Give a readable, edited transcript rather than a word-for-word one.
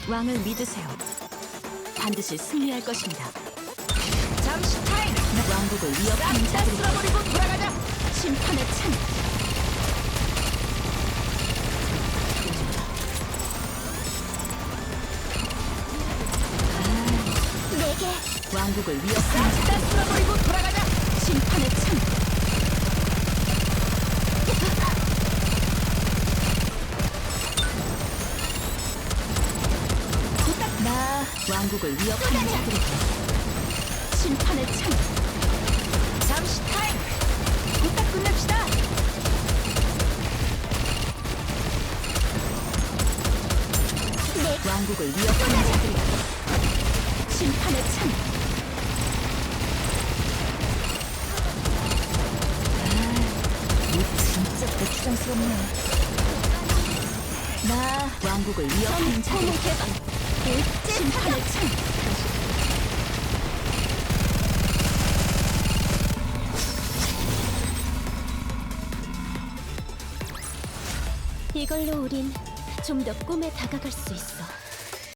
왕을 믿으세요. 반드시 승리할 것입니다. 잠시 타임! 왕국을 위협하는 싹다 자들이 쓸어버리고 돌아가자! 심판의 찬. 내게 왕국을 위협하는 싹다 자들이 쓸어버리고 돌아가자! 심판의 찬. 나 왕국을 위협하는 자들에게 심판의 찬. 잠시 타임! 부탁 끝냅시다! 왕국을 위협하는 자들에게 심판의 찬. 진짜 고추장스럽네. 나 왕국을 위협하는 자들에게 심판의 찬. 이걸로 우린 좀 더 꿈에 다가갈 수 있어.